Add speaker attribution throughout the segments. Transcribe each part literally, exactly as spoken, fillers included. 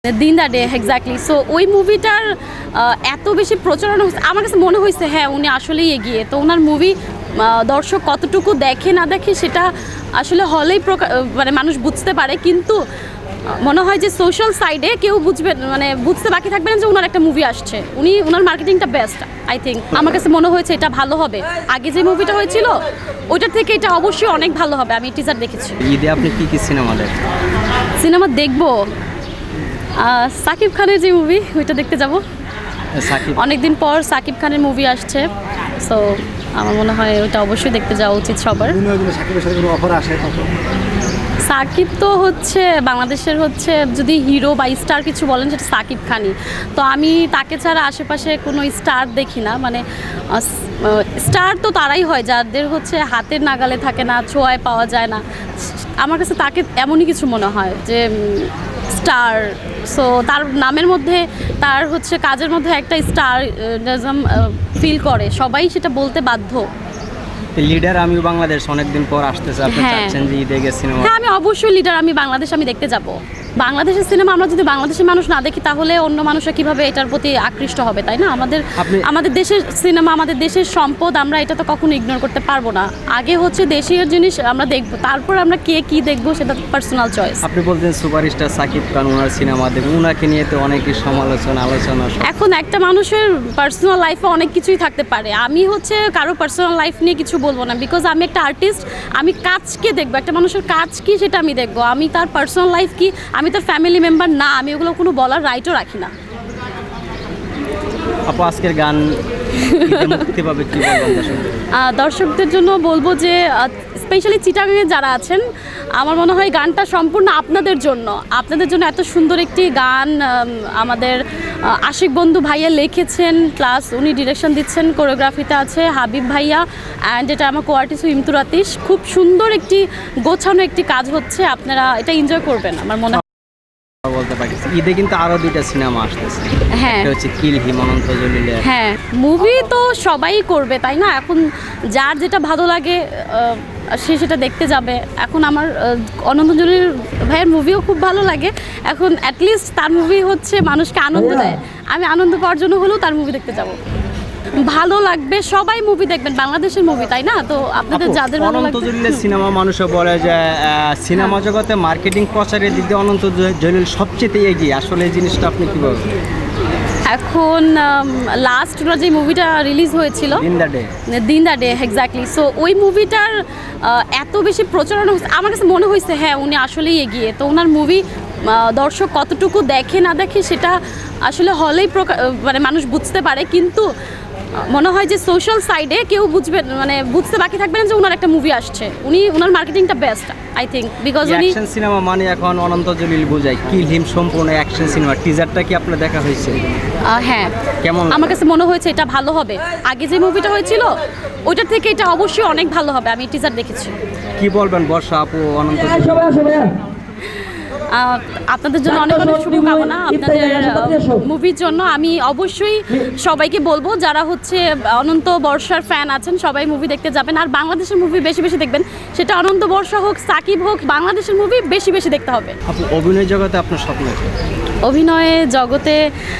Speaker 1: দিন the day exactly. So ওই মুভিটার এত বেশি প্রচারণ হয়েছে, আমার কাছে মনে হয়েছে হ্যাঁ উনি আসলেই এগিয়ে। তো ওনার মুভি দর্শক কতটুকু দেখে না দেখে সেটা আসলে হলেই মানে মানুষ বুঝতে পারে, কিন্তু মনে হয় যে সোশ্যাল সাইডে কেউ বুঝবে মানে বুঝতে বাকি থাকবে না যে ওনার একটা মুভি আসছে। উনি ওনার মার্কেটিংটা বেস্ট আই থিঙ্ক। আমার কাছে মনে হয়েছে এটা ভালো হবে। আগে যে মুভিটা হয়েছিল ওইটার থেকে এটা অবশ্যই অনেক ভালো হবে। আমি টিজার দেখেছি।
Speaker 2: ঈদে আপনি কি কি সিনেমা দেখেন?
Speaker 1: সিনেমা দেখবো সাকিব খানের যে মুভি ওইটা দেখতে যাব। অনেকদিন পর সাকিব খানের মুভি আসছে, সো আমার মনে হয় ওইটা অবশ্যই দেখতে যাওয়া উচিত সবার। সাকিব তো হচ্ছে বাংলাদেশের হচ্ছে যদি হিরো বা স্টার কিছু বলেন সেটা সাকিব খানই। তো আমি তাকে ছাড়া আশেপাশে কোনো স্টার দেখি না। মানে স্টার তো তারাই হয় যাদের হচ্ছে হাতের নাগালে থাকে না, ছোঁয়ায় পাওয়া যায় না। আমার কাছে তাকে এমনই কিছু মনে হয় যে স্টার। সো তার নামের মধ্যে তার হচ্ছে কাজের মধ্যে একটা স্টারিজম ফিল করে, সবাই সেটা বলতে বাধ্য।
Speaker 2: লিডার আমি বাংলাদেশ অনেকদিন পর আসতেছে, আপনি চাচ্ছেন যে ঈদে গিয়ে সিনেমা?
Speaker 1: হ্যাঁ, আমি অবশ্যই লিডার আমি বাংলাদেশ আমি দেখতে যাব। বাংলাদেশের সিনেমা আমরা যদি বাংলাদেশের মানুষ না দেখি তাহলে অন্য মানুষরা কিভাবে এটার প্রতি আকৃষ্ট হবে, তাই না? আমাদের আমাদের দেশের সিনেমা, আমাদের দেশের সম্পদ, আমরা এটা তো কখনো ইগনোর করতে পারবো না। আগে হচ্ছে দেশীয় জিনিস আমরা দেখবো, তারপর আমরা কে কি দেখবো সেটা পার্সোনাল চয়েস।
Speaker 2: আপনি বলছেন সুপারস্টার সাকিব খান, ওনার সিনেমা দেখবেন, ওনাকে নিয়ে তো অনেকই সমালোচনা আলোচনা।
Speaker 1: এখন একটা মানুষের পার্সোনাল লাইফে অনেক কিছুই থাকতে পারে। আমি হচ্ছে কারো পার্সোনাল লাইফ নিয়ে কিছু বলবো না, বিকজ আমি একটা আর্টিস্ট। আমি কাজকে দেখবো, একটা মানুষের কাজ কি সেটা আমি দেখবো। আমি তার পার্সোনাল লাইফ কি, আমি তার ফ্যামিলি মেম্বার না, আমি ওগুলো কোনো বলার রাইটও রাখি না।
Speaker 2: আপু আজকের গান মুক্তি পাবে কি বলবেন
Speaker 1: দর্শকদের জন্য? বলবো যে স্পেশালি চিটাগাংয়ে যারা আছেন, আমার মনে হয় গানটা সম্পূর্ণ আপনাদের জন্য। আপনাদের জন্য এত সুন্দর একটি গান আমাদের আশিক বন্ধু ভাইয়া লিখেছেন, প্লাস উনি ডিরেকশন দিচ্ছেন, কোরিওগ্রাফিতে আছে হাবিব ভাইয়া, অ্যান্ড এটা আমার কো আর্টিস্ট ইমতুর আতিশ। খুব সুন্দর একটি গোছানো একটি কাজ হচ্ছে, আপনারা এটা এনজয় করবেন আমার মনে হয়।
Speaker 2: বলতে পারি ঈদে কিন্তু আরো দুইটা সিনেমা আসতেছে।
Speaker 1: হ্যাঁ,
Speaker 2: একটা হচ্ছে কিল হিম অনন্ত জলিলের।
Speaker 1: হ্যাঁ, মুভি তো সবাই করবে তাই না? এখন যার যেটা ভালো লাগে সে সেটা দেখতে যাবে। এখন আমার অনন্ত জলিল ভাইয়ের মুভিও খুব ভালো লাগে। এখন অ্যাটলিস্ট তার মুভি হচ্ছে মানুষকে আনন্দ দেয়। আমি আনন্দ পাওয়ার জন্য হলেও তার মুভি দেখতে যাব। ভালো লাগবে, সবাই মুভি দেখবেন, বাংলাদেশের মুভি তাই না? তো আপনাদের যাদের ভালো লাগবে।
Speaker 2: অনন্ত জলিলের সিনেমা মানুষও বলে যে সিনেমা জগতে মার্কেটিং প্রচারের দিক দিয়ে অনন্ত জলিল সবচেয়ে এগিয়ে। আসলে এই জিনিসটা আপনি কি বলবেন?
Speaker 1: এখন লাস্ট ওনার যে মুভিটা রিলিজ হয়েছিল
Speaker 2: দিন দ্য ডে
Speaker 1: দিন দ্য ডে এক্স্যাক্টলি। সো ওই মুভিটার এত বেশি প্রচারণ হয়েছে, আমার কাছে মনে হয়েছে হ্যাঁ উনি আসলেই এগিয়ে। তো ওনার মুভি দর্শক কতটুকু দেখে না দেখে সেটা আসলে হলেই মানে মানুষ বুঝতে পারে, কিন্তু মনে হয় যে সোশ্যাল সাইডে কেউ বুঝবে মানে বুঝতে বাকি থাকবে না যে ওনার একটা মুভি আসছে। উনি ওনার মার্কেটিংটা বেস্ট আই থিঙ্ক, বিকজ উনি
Speaker 2: অ্যাকশন সিনেমা মানে এখন অনন্ত জলিল বোঝায়। কিল হিম সম্পূর্ণ অ্যাকশন সিনেমা। টিজারটা কি আপনার দেখা হয়েছে?
Speaker 1: হ্যাঁ,
Speaker 2: কেমন?
Speaker 1: আমার কাছে মনে হয়েছে এটা ভালো হবে। আগে যে মুভিটা হয়েছিল ওইটার থেকে এটা অবশ্যই অনেক ভালো হবে। আমি টিজার দেখেছি।
Speaker 2: কি বলবেন বর্ষা আপু অনন্ত?
Speaker 1: আপনাদের জন্য অনেক অনেক শুভকামনা আপনাদের মুভির জন্য। আমি অবশ্যই সবাইকে বলবো যারা হচ্ছে অনন্ত বর্ষার ফ্যান আছেন সবাই মুভি দেখতে যাবেন। আর বাংলাদেশের মুভি বেশি বেশি দেখবেন, সেটা অনন্ত বর্ষা হোক সাকিব হোক, বাংলাদেশের মুভি বেশি বেশি দেখতে হবে।
Speaker 2: আপু অভিনয় জগতে আপনার স্বপ্ন?
Speaker 1: অভিনয়ে জগতে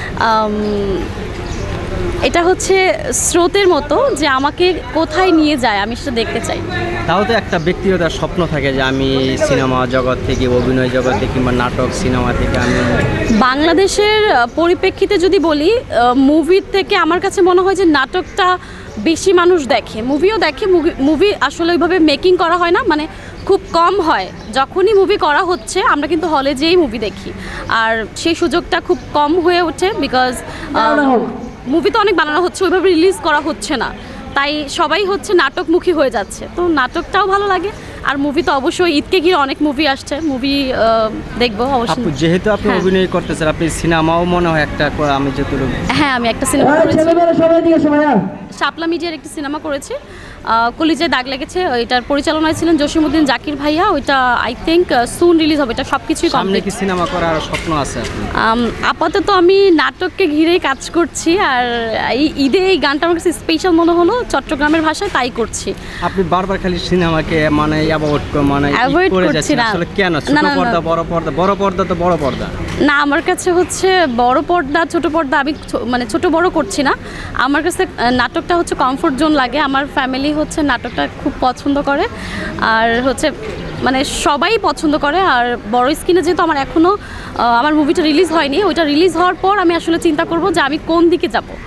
Speaker 1: এটা হচ্ছে স্রোতের মতো যে আমাকে কোথায় নিয়ে যায় আমি সেটা দেখতে চাই।
Speaker 2: তাও তো একটা ব্যক্তিগত স্বপ্ন থাকে যে আমি সিনেমা জগৎ থেকে, অভিনয় জগৎ থেকে কিংবা নাটক সিনেমা থেকে আমি
Speaker 1: বাংলাদেশের পরিপ্রেক্ষিতে যদি বলি, মুভির থেকে আমার কাছে মনে হয় যে নাটকটা বেশি মানুষ দেখে। মুভিও দেখে, মুভি আসলে ওইভাবে মেকিং করা হয় না, মানে খুব কম হয়। যখনই মুভি করা হচ্ছে আমরা কিন্তু হলে যেয়েই মুভি দেখি, আর সেই সুযোগটা খুব কম হয়ে ওঠে বিকজ মুভি তো অনেক বানানো হচ্ছে, ওইভাবে রিলিজ করা হচ্ছে না, তাই সবাই হচ্ছে নাটকমুখী হয়ে যাচ্ছে। তো নাটকটাও ভালো লাগে, আর মুভি তো অবশ্যই ঈদকে ঘিরে অনেক মুভি আসছে, মুভি দেখবো অবশ্যই।
Speaker 2: যেহেতু আপনি অভিনয় করতেছেন, আপনি সিনেমাও মনে হয় একটা, আমি যতটুকু
Speaker 1: হ্যাঁ আমি একটা সিনেমা করেছি, শাপলা মিডিয়ার একটি সিনেমা করেছি, কলিজায় দাগ লেগেছে। ওইটার পরিচালনায় ছিলেন জসিমউদ্দিন জাকির ভাইয়া। ওইটা আই থিঙ্ক সুন রিলিজ হবে। এটা সব কিছুই কমপ্লিট।
Speaker 2: কি সিনেমা করার স্বপ্ন আছে?
Speaker 1: আপাতত আমি নাটককে ঘিরেই কাজ করছি, আর এই ঈদে এই গানটা আমার কাছে স্পেশাল মনে হলো, চট্টগ্রামের ভাষায় তাই করছি।
Speaker 2: আপনি বারবার খালি সিনেমাকে মানে অ্যাভয়েড মানে
Speaker 1: অ্যাভয়েড করছি না
Speaker 2: আসলে কেন? ছোট পর্দা বড় পর্দা, বড় পর্দা তো বড় পর্দা।
Speaker 1: না, আমার কাছে হচ্ছে বড় পর্দা ছোট পর্দা আমি ছো- মানে ছোট বড় করছি না। আমার কাছে আহ, নাটকটা হচ্ছে কমফোর্ট জোন লাগে। আমার ফ্যামিলি হচ্ছে নাটকটা খুব পছন্দ করে, আর হচ্ছে মানে সবাই পছন্দ করে। আর বড় স্ক্রিনে যেহেতু আমার এখনও আমার মুভিটা রিলিজ হয়নি, ওইটা রিলিজ হওয়ার পর আমি আসলে চিন্তা করব যে আমি কোন দিকে যাব।